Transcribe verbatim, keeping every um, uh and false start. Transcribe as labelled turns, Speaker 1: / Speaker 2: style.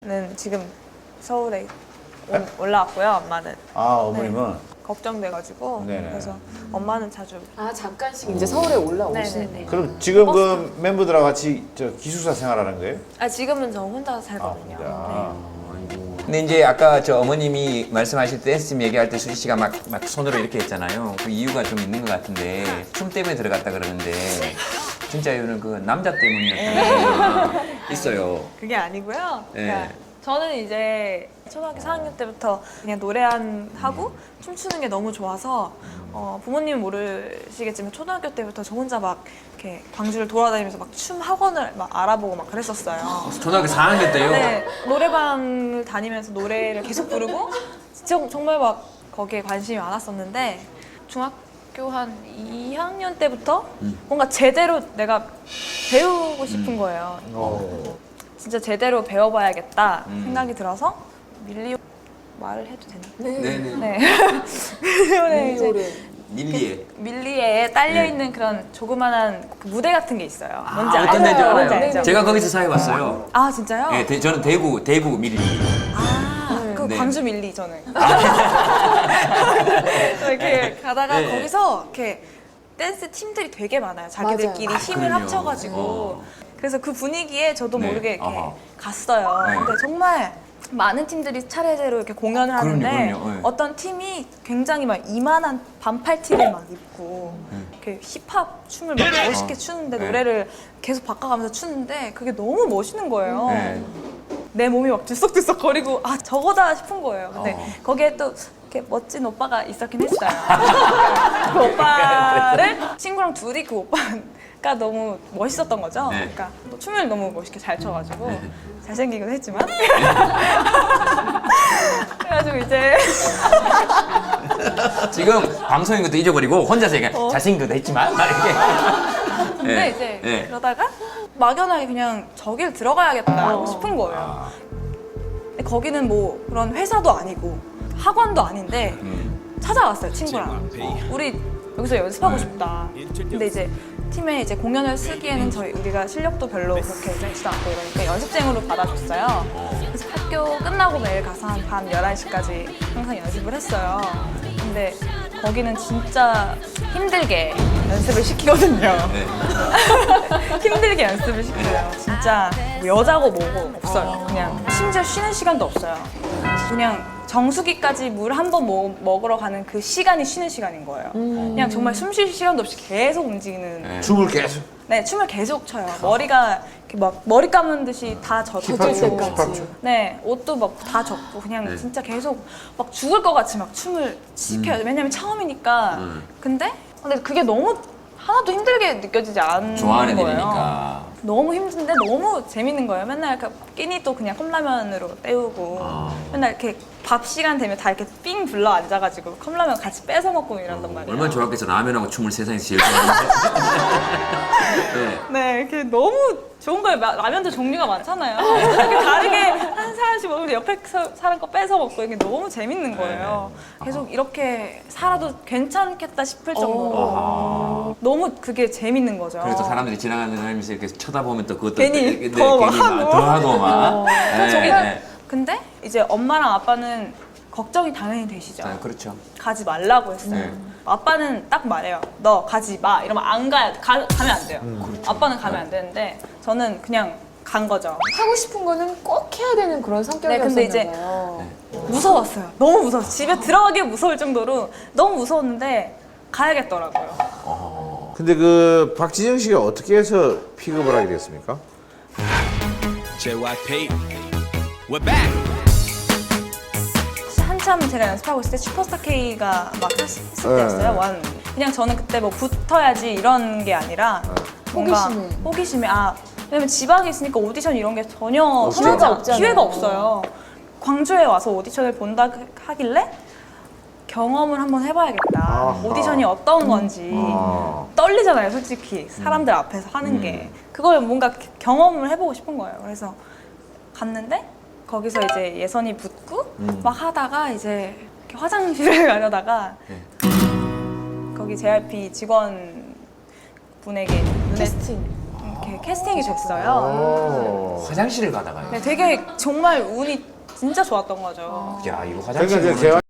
Speaker 1: 지금 서울에 온, 올라왔고요. 엄마는.
Speaker 2: 아 어머님은
Speaker 1: 네. 걱정돼가지고
Speaker 2: 네네.
Speaker 1: 그래서 엄마는 자주.
Speaker 3: 아 잠깐씩 이제 서울에 올라오시는
Speaker 1: 네네네.
Speaker 2: 그럼 지금 그 멤버들하고 같이 저 기숙사 생활하는 거예요?
Speaker 1: 아 지금은 저 혼자 살거든요.
Speaker 2: 아,
Speaker 4: 근데 이제 아까 저 어머님이 말씀하실 때 댄스 얘기할 때 수지 씨가 막, 막 손으로 이렇게 했잖아요. 그 이유가 좀 있는 것 같은데 춤 때문에 들어갔다 그러는데 진짜 이유는 그 남자 때문이었다는 게 있어요.
Speaker 1: 그게 아니고요.
Speaker 4: 네.
Speaker 1: 그러니까 저는 이제 초등학교 사 학년 때부터 그냥 노래한 하고 춤추는 게 너무 좋아서 어, 부모님은 모르시겠지만 초등학교 때부터 저 혼자 막 이렇게 광주를 돌아다니면서 막 춤 학원을 막 알아보고 막 그랬었어요.
Speaker 4: 초등학교 사 학년 때요?
Speaker 1: 네, 노래방을 다니면서 노래를 계속 부르고 진짜 정말 막 거기에 관심이 많았었는데 중학교 한 이 학년 때부터 뭔가 제대로 내가 배우고 싶은 거예요.
Speaker 2: 어.
Speaker 1: 진짜 제대로 배워봐야겠다
Speaker 4: 음.
Speaker 1: 생각이 들어서 밀리오 말을 해도 되나?
Speaker 4: 네네.
Speaker 1: 네. 밀리오에 이제
Speaker 3: 밀리오를
Speaker 4: 밀리에.
Speaker 1: 밀리에 딸려있는 그런 조그만한 그 무대 같은 게 있어요. 뭔지
Speaker 4: 아,
Speaker 1: 알죠?
Speaker 4: 어떤 데인지 알아요.
Speaker 1: 뭔지 알죠?
Speaker 4: 제가 거기서 사회봤어요.
Speaker 1: 아 진짜요?
Speaker 4: 네, 대, 저는 대구, 대구 밀리.
Speaker 1: 아, 그
Speaker 4: 네.
Speaker 1: 광주 밀리 저는. 이렇게 가다가
Speaker 4: 네.
Speaker 1: 거기서 이렇게 댄스 팀들이 되게 많아요. 자기들끼리
Speaker 3: 맞아요.
Speaker 1: 힘을
Speaker 4: 그럼요.
Speaker 1: 합쳐가지고.
Speaker 4: 어.
Speaker 1: 그래서 그 분위기에 저도
Speaker 4: 네.
Speaker 1: 모르게 이렇게
Speaker 4: 아하.
Speaker 1: 갔어요.
Speaker 4: 네.
Speaker 1: 근데 정말 많은 팀들이 차례대로 이렇게 공연을 하는데
Speaker 4: 그럼요, 그럼요. 네.
Speaker 1: 어떤 팀이 굉장히 막 이만한 반팔 티를 막 입고 이렇게 힙합 춤을 막 멋있게 추는데
Speaker 4: 네.
Speaker 1: 노래를 계속 바꿔가면서 추는데 그게 너무 멋있는 거예요.
Speaker 4: 네.
Speaker 1: 내 몸이 막 들썩들썩 거리고 아 저거다 싶은 거예요. 근데
Speaker 4: 어.
Speaker 1: 거기에 또 이렇게 멋진 오빠가 있었긴 했어요. 그 오빠를 친구랑 둘이 그 오빠가 너무 멋있었던 거죠.
Speaker 4: 네.
Speaker 1: 그러니까 또 춤을 너무 멋있게 잘 춰가지고 잘생기긴 했지만 그래가지고 이제
Speaker 4: 지금 방송인 것도 잊어버리고 혼자서 얘기해.
Speaker 1: 어.
Speaker 4: 잘생긴 것도 했지만. 막 이렇게.
Speaker 1: 근데
Speaker 4: 네.
Speaker 1: 이제
Speaker 4: 네.
Speaker 1: 그러다가 막연하게 그냥 저길 들어가야겠다
Speaker 4: 어.
Speaker 1: 싶은 거예요.
Speaker 4: 아.
Speaker 1: 근데 거기는 뭐 그런 회사도 아니고 학원도 아닌데
Speaker 4: 음.
Speaker 1: 찾아왔어요 친구랑. 우리 여기서 연습하고 싶다. 근데 이제 팀에 이제 공연을 쓰기에는 저희 우리가 실력도 별로 그렇게 되지도 않고 이러니까 연습생으로 받아줬어요. 그래서 학교 끝나고 매일 가서 한 밤 열한 시까지 항상 연습을 했어요. 근데 거기는 진짜 힘들게 연습을 시키거든요.
Speaker 4: 네.
Speaker 1: 힘들게 연습을 시켜요. 진짜 뭐 여자고 뭐고 없어요. 그냥 심지어 쉬는 시간도 없어요. 그냥 정수기까지 물 한 번 먹으러 가는 그 시간이 쉬는 시간인 거예요. 그냥 정말 숨 쉴 시간도 없이 계속 움직이는.
Speaker 4: 네.
Speaker 2: 춤을 계속.
Speaker 1: 네, 춤을 계속 춰요. 머리가 이렇게 막 머리 감은 듯이 다 젖고.
Speaker 2: 힙합 춤, 힙합 춤.
Speaker 1: 네, 옷도 막 다 젖고 그냥
Speaker 4: 네.
Speaker 1: 진짜 계속 막 죽을 것 같이 막 춤을 시켜요. 왜냐면 처음이니까.
Speaker 4: 음.
Speaker 1: 근데 근데 그게 너무 하나도 힘들게 느껴지지 않는
Speaker 4: 좋아하는
Speaker 1: 거예요.
Speaker 4: 일이니까.
Speaker 1: 너무 힘든데 너무 재밌는 거예요. 맨날 그 끼니도 그냥 컵라면으로 때우고
Speaker 4: 아.
Speaker 1: 맨날 이렇게 밥 시간 되면 다 이렇게 삥 불러 앉아가지고 컵라면 같이 뺏어 먹고 이런단 말이에요.
Speaker 4: 얼마나 좋았겠어. 라면하고 춤을 세상에서 제일 좋아하는데. 네.
Speaker 1: 네, 이렇게 너무 좋은 거예요. 마- 라면도 종류가 많잖아요. 이렇게 다르게 한 사람씩 먹으면 옆에 서- 사람 거 뺏어 먹고 이게 너무 재밌는 거예요. 계속 이렇게 살아도 괜찮겠다 싶을 정도로 너무 그게 재밌는 거죠.
Speaker 4: 그래서 사람들이 지나가는 다니면서 이렇게 쳐다보면 또 그것도
Speaker 1: 괜히
Speaker 4: 네,
Speaker 1: 더 막
Speaker 4: 괜히 막
Speaker 1: 하고.
Speaker 4: 더 하고 막. 네,
Speaker 1: 저기
Speaker 4: 네.
Speaker 1: 근데 이제 엄마랑 아빠는 걱정이 당연히 되시죠.
Speaker 4: 아, 그렇죠.
Speaker 1: 가지 말라고 했어요.
Speaker 4: 네.
Speaker 1: 아빠는 딱 말해요. 너 가지 마. 이러면 안 가야 가, 가면 안 돼요. 아빠는 가면 안 되는데 저는 그냥 간 거죠.
Speaker 3: 하고 싶은 거는 꼭 해야 되는 그런
Speaker 1: 네,
Speaker 3: 성격이었나
Speaker 1: 근데 이제
Speaker 3: 봐요.
Speaker 1: 무서웠어요. 너무 무서웠어요. 집에 들어가기 무서울 정도로 너무 무서웠는데 가야겠더라고요.
Speaker 2: 근데 그 박진영 씨가 어떻게 해서 픽업을 하게 됐습니까?
Speaker 5: 제이와이피 We're back.
Speaker 1: 한참 제가 연습하고 있을 때 슈퍼스타 K가 막 했- 했을 때였어요.
Speaker 2: 네.
Speaker 1: 완. 그냥 저는 그때 뭐 붙어야지 이런 게 아니라 뭔가
Speaker 3: 호기심에.
Speaker 1: 호기심에 아 왜냐면 지방에 있으니까 오디션 이런 게 전혀
Speaker 3: 기회가
Speaker 1: 하지 않-
Speaker 3: 없잖아요.
Speaker 1: 기회가 없어요. 광주에 와서 오디션을 본다 하길래 경험을 한번 해봐야겠다.
Speaker 2: 아하.
Speaker 1: 오디션이 어떤 건지
Speaker 2: 아.
Speaker 1: 떨리잖아요, 솔직히 사람들 앞에서 하는 게 그걸 뭔가 경험을 해보고 싶은 거예요. 그래서 갔는데 거기서 이제 예선이 붙고 막 하다가 이제 이렇게 화장실을 가려다가 거기 제이알피 직원 분에게 눈에
Speaker 3: 캐스팅.
Speaker 1: 이렇게 이렇게 캐스팅이 됐어요.
Speaker 2: 오.
Speaker 4: 화장실을 가다가요.
Speaker 1: 네, 되게 정말 운이 진짜 좋았던 거죠.
Speaker 4: 야 이거
Speaker 2: 그러니까
Speaker 4: 화장실
Speaker 2: 이제